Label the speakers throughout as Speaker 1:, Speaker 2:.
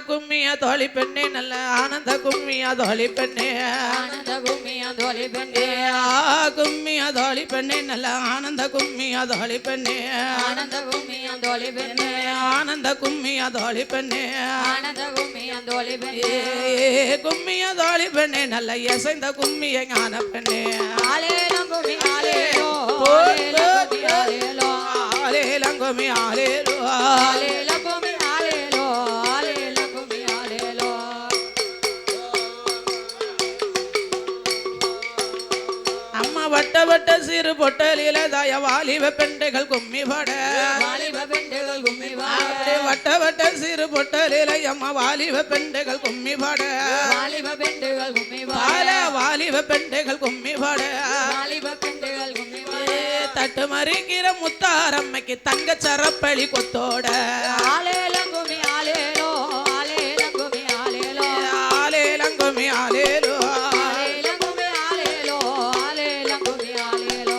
Speaker 1: கும்மியா தோழி பெண்ணே நல்ல ஆனந்த கும்மியா தோழி பெண்ணே
Speaker 2: ஆனந்த கும்மியா தோழி பெண்ணே
Speaker 1: கும்மியா தோழி பெண்ணே நல்ல ஆனந்த கும்மியா தோழி பெண்ணே
Speaker 2: ஆனந்த கும்மியா தோழி பெண்ணே
Speaker 1: ஆனந்த கும்மியா தோழி பெண்ணே
Speaker 2: ஆனந்த கும்மியா தோழி பெண்ணே
Speaker 1: கும்மியா தோழி பெண்ணே நல்ல இசைந்த கும்மிய ஞான பெண்ணே
Speaker 2: ஆலேலம் கும்மி ஆலேலோ
Speaker 1: ஆலேலம் கும்மி ஆலேலோ
Speaker 2: ஆலேலம் கும்மி ஆலேலோ ஆலேலம் கும்மி ஆலேலோ
Speaker 1: அம்மா வட்ட வட்ட சிறு பொட்டலில தாய வாலிப பெண்டைகள் கும்மி பாட
Speaker 2: வாலிப பெண்கள் கும்மி பாட
Speaker 1: வட்ட வட்ட சிறு பொட்டலில அம்மா வாலிப பெண்டைகள் கும்மி பாட
Speaker 2: வாலிப பெண்கள் கும்மி
Speaker 1: பாட வாலிப பெண்டைகள் கும்மி பாட
Speaker 2: வாலிப பெண்கள் கும்மி
Speaker 1: தட்டு மறிக்கிற முத்தாரம்மைக்கு தங்க சரப்பளி கொத்தோட
Speaker 2: ஆலேலம் கும்மி ஆலேலோ ஆலேலம் கும்மி ஆலேலோ
Speaker 1: ஆலேலம் கும்மி ஆலேலோ
Speaker 2: ஆலேலம் கும்மி ஆலேலோ ஆலேலம் கும்மி ஆலேலோ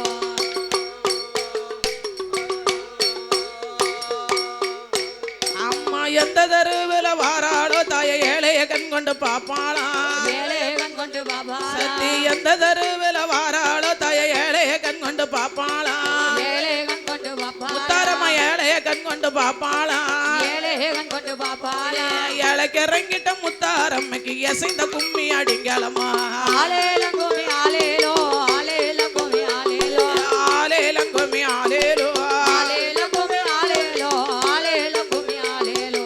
Speaker 1: அம்மா எந்த தெருவில் வாராளோ தாய ஏழைய கண் கொண்டு பாப்பாளா
Speaker 2: வேலைவன் கொண்டு பாபா
Speaker 1: சத்தி எந்த தெருவில் வாராளோ தாய ஏழைய கண் கொண்டு பாப்பாளா
Speaker 2: வேலைவன் கொண்டு பாப்பா
Speaker 1: முத்தாரம்மா ஏழைய கண் கொண்டு பாப்பாளா
Speaker 2: வேலைவன் கொண்டு பாப்பாலே
Speaker 1: ஏழைக்கு இறங்கிட்ட முத்தாரம்மைக்கு எசைந்த கும்மி அடிங்களம்மா
Speaker 2: ஆலேலம் கும்மி ஆலேலோ ஆலேலம் கும்மி ஆலேலோ
Speaker 1: ஆலேலம் கும்மி ஆலேலோ
Speaker 2: ஆலேலம் கும்மி ஆலேலோ ஆலேலம் கும்மி ஆலேலோ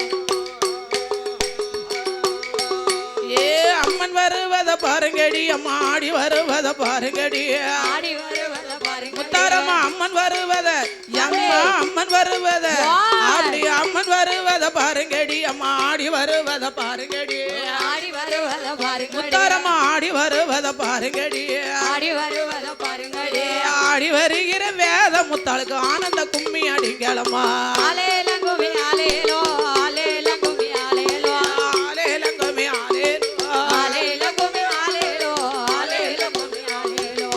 Speaker 1: ஏ அம்மன் வருவத பாருங்கடி அம்மா ஆடி வருவத பாருங்கடி
Speaker 2: ஆடி வருவத பாருங்க
Speaker 1: முத்தாரம்மா அம்மன் வருவத அம்மா அம்மன் வருவத அப்படி அம்மன் வருவத பாருங்கடி அம்மா ஆடி வருவத பாருங்கடி
Speaker 2: ஆடி வருவத பாருங்க
Speaker 1: முத்தாரம்மா ஆடி வருவத பாருங்கடி
Speaker 2: ஆடி வருவத பாருங்க
Speaker 1: ஆடி வருகிற வேத முத்தாளுக்கு ஆனந்த கும்மி அடிங்களம்மா
Speaker 2: ஆலேலம் கும்மி ஆலேலோ ஆலேலம் கும்மி ஆலேலோ
Speaker 1: ஆலேலம் கும்மி ஆலேலோ
Speaker 2: ஆலேலம் கும்மி ஆலேலோ ஆலேலம் கும்மி ஆலேலோ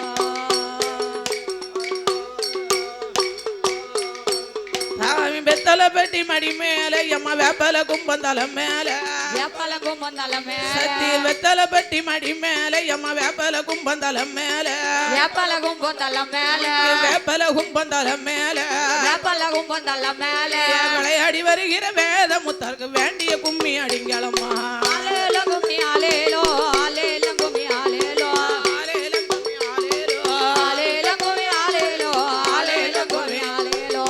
Speaker 1: சாமி பெத்தல பெட்டி மடி மேல அம்மா வேப்பல கும்பந்தலம் மேல
Speaker 2: வேப்பல கும்பந்தலம் மேல
Speaker 1: சத்தி வெத்தல பெட்டி மடி மேல அம்மா வேப்பல கும்பந்தலம் மேல
Speaker 2: வேப்பல கும்பந்தலம் மேல
Speaker 1: வேப்பல கும்பந்தலம் மேல
Speaker 2: வேப்பல கும்பந்தலம் மேல
Speaker 1: விளையாடி வருகிற வேத முத்தாருக்கு வேண்டிய கும்மி அடிங்களம்மா
Speaker 2: ஆலேலம் கும்மி ஆலேலோ ஆலேலம் கும்மி ஆலேலோ
Speaker 1: ஆலேலம் கும்மி ஆலேலோ
Speaker 2: ஆலேலம் கும்மி ஆலேலோ ஆலேலம் கும்மி ஆலேலோ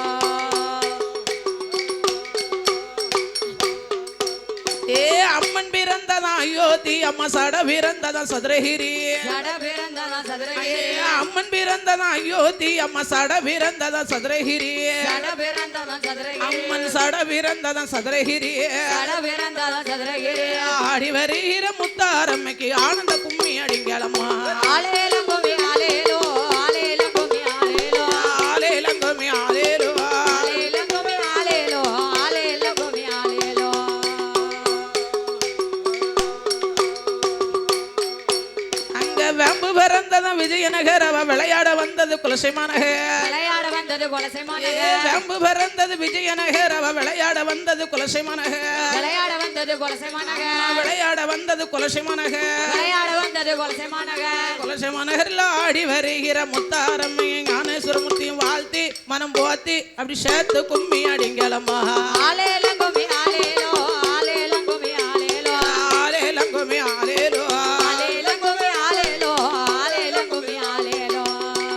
Speaker 1: ஏ அம்மன் பிறந்ததா அயோத்தி அம்மா சட பிறந்ததா சதுரகிரி
Speaker 2: ஜட பிறந்ததா சதுரகிரி
Speaker 1: அம்மன் பிறந்ததா அயோத்தி அம்மா சட பிறந்ததா சதுரகிரி
Speaker 2: ஜட பிறந்ததா சதுரகிரி
Speaker 1: அம்மன் சட பிறந்ததா சதுரகிரி
Speaker 2: ஜட பிறந்ததா சதுரகிரி
Speaker 1: ஆடி வருகிற முத்தாரம்மைக்கு ஆனந்த கும்மி அடிங்களம்மா
Speaker 2: ஆலேலம் கும்மி ஆலேலோ ஆலேலம் கும்மி ஆலேலோ
Speaker 1: ஆலேலம் கும்மி ஆலேலோ
Speaker 2: ஆலேலம் கும்மி ஆலேலோ ஆலேலம் கும்மி ஆலேலோ
Speaker 1: அங்க வேம்பு பிறந்ததா விஜயநகர் அவ விளையாட வந்தது குலசைமாநகர்
Speaker 2: விளையாட வந்தது கொலசைமானக
Speaker 1: வேம்பு பிறந்தது விஜயநகர் அவ விளையாட வந்தது குலசைமாநகர்
Speaker 2: விளையாட வந்தது கொலசைமானக
Speaker 1: விளையாட வந்தது குலசைமாநகர்
Speaker 2: விளையாட வந்தது கொலசைமானக
Speaker 1: குலசைமாநகர்ல ஆடி வருகிற முத்தாரம்மையும் ஞானேஸ்வரமூர்த்தியும் வாழ்த்தி மனம் போத்தி அப்படி சேர்த்து கும்மி அடிங்களம்மா
Speaker 2: ஆலேலம் கும்மி ஆலேலோ ஆலேலம் கும்மி ஆலேலோ
Speaker 1: ஆலேலம் கும்மி ஆலேலோ
Speaker 2: ஆலேலம் கும்மி ஆலேலோ ஆலேலம் கும்மி ஆலேலோ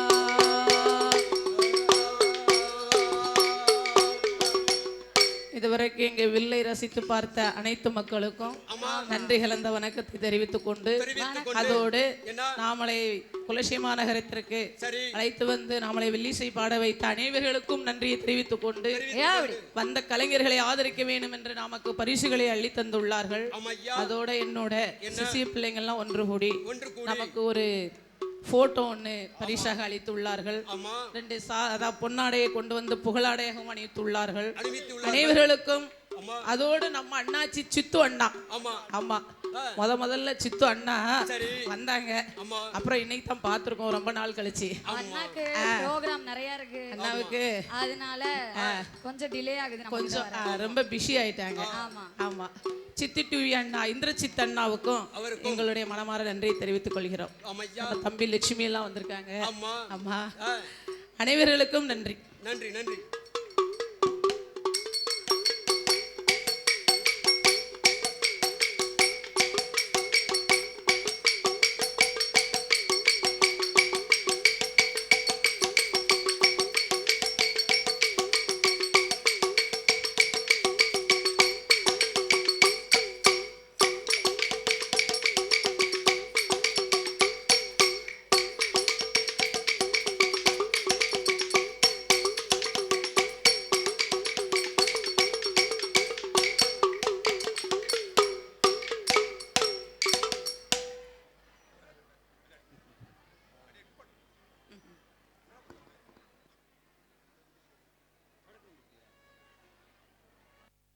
Speaker 1: இதுவரைக்கும் இங்கே வில்லை ரசித்து பார்த்த அனைத்து மக்களுக்கும் நன்றி கலந்த வணக்கத்தை தெரிவித்துக் கொண்டு அதோடு நாமளை குலசைமா நகரத்திற்கு அழைத்து வந்து நாமளை வில்லிசை பாட வைத்த அனைவர்களுக்கும் நன்றியை தெரிவித்துக் கொண்டு வந்த கலைஞர்களை ஆதரிக்க வேண்டும் என்று நமக்கு பரிசுகளை அள்ளி தந்துள்ளார்கள். அதோட என்னோட சிசிய பிள்ளைங்கள்லாம் ஒன்று கூடி நமக்கு ஒரு போட்டோ ஒன்று பரிசாக அளித்துள்ளார்கள். 2 பொன்னாடையை கொண்டு வந்து புகழாடையாகவும் அணிவித்துள்ளார்கள். அனைவர்களுக்கும்
Speaker 3: ஆமா.
Speaker 1: அதோடு நம்ம அண்ணாச்சி சித்து அண்ணா.
Speaker 3: ஆமா.
Speaker 1: ஆமா, முதல்ல சித்து அண்ணா
Speaker 3: சரி.
Speaker 1: வந்தாங்க.
Speaker 3: ஆமா.
Speaker 1: அப்புறம் இன்னைக்கு தான் பார்த்திருக்கோம் ரொம்ப நாள் கழிச்சு.
Speaker 2: அண்ணாக்கு ப்ரோகிராம் நிறைய இருக்கு,
Speaker 1: அண்ணாவுக்கு
Speaker 2: அதனால கொஞ்சம் டிலே ஆகுது, நம்ம
Speaker 1: கொஞ்சம் ரொம்ப பிஸி ஆயிட்டாங்க.
Speaker 2: ஆமா.
Speaker 1: ஆமா, சித்தி டிவி அண்ணா இந்திரசித் அண்ணாவுக்கும் எங்களுடைய மனமார நன்றியை தெரிவித்துக் கொள்கிறோம்.
Speaker 3: ஆமையா.
Speaker 1: நம்ம தம்பி லட்சுமி எல்லாம் வந்திருக்காங்க.
Speaker 3: ஆமா.
Speaker 1: ஆமா, அனைவர்களுக்கும் நன்றி.
Speaker 3: நன்றி நன்றி.